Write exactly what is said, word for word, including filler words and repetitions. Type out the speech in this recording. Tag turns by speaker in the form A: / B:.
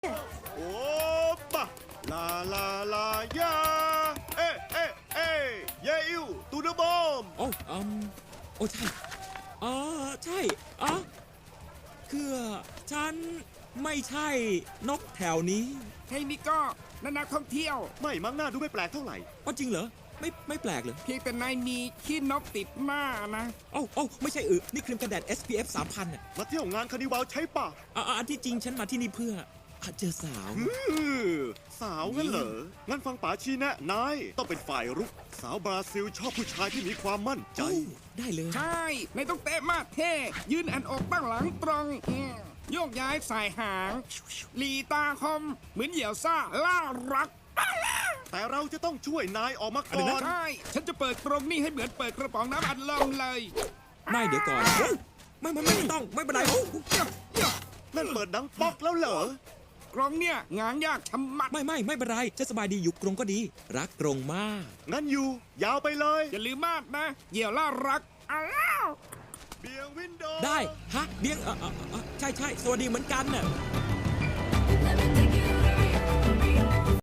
A: โอ้ปะลาลาลายาเอ๊ะเอ๊ะเอ๊ะเยอิวตูเดบอม
B: โอ้อืมโอ้ใช่อ๋อใช่อ๋อคือฉันไม่ใช่นกแถวนี้
C: เฮ้ยนี่ก็นักท่องเที่ยว
A: ไม่มั้งหน้าดูไม่แปลกเท่าไหร่
B: อ๋อจริงเหรอไม่ไม่แปลกเลย
C: เพียงแต่นายมีขี้นกติดหน้านะ
B: โอ้โอ้ไม่ใช่อือนี่ครีมกันแดด เอส พี เอฟ สามพันอ่ะ
A: มาเที่ยวงานคานิวัลใช่ปะ
B: อ่ะอ่ะอันที่จริงฉันมาที่นี่เพื่ออ่ะเจอสาว
A: อื้อสาวงั้นเหรอ งั้นฟังป๋าชี้แนะนายต้องเป็นฝ่ายรุก สาวบราซิลชอบผู้ชายที่มีความมั่นใจ
B: โอ้ได้เลย
C: ใช่นายต้องเตะมากเท่ยืนอันอกตั้งหลังตรงอืมโยกย้ายสายหางหลีตาคม เหมือนเหยี่ยวซ่าล่ารัก
A: แต่เราจะต้องช่วยนายออกมาก่อน
C: ใช่ ฉันจะเปิดกรงนี่ให้เหมือนเปิดกระป๋องน้ำอัดลมเลย
B: ไม่เดี๋ยวก่อนโอ้ไม่ไม่ไม่ต้องไม่เป็นไรโอ้
A: นั่นเปิดดังป๊อกแล้วเหรอ
C: กรงเนี่ยงางยากชะมัด
B: ไม่ไม่ไม่เป็นไรฉันสบายดีอยู่กรงก็ดี รักกรงมาก
A: งั้นอยู่ ยาวไปเลย
C: อย่าลืมมากนะ เหยี่ยวล่ารักอ้าว
A: เบียงวินโด
B: ได้ฮะเบี้ยงเออเออเออใช่ใช่สวัสดีเหมือนกันน่ะ
D: Let me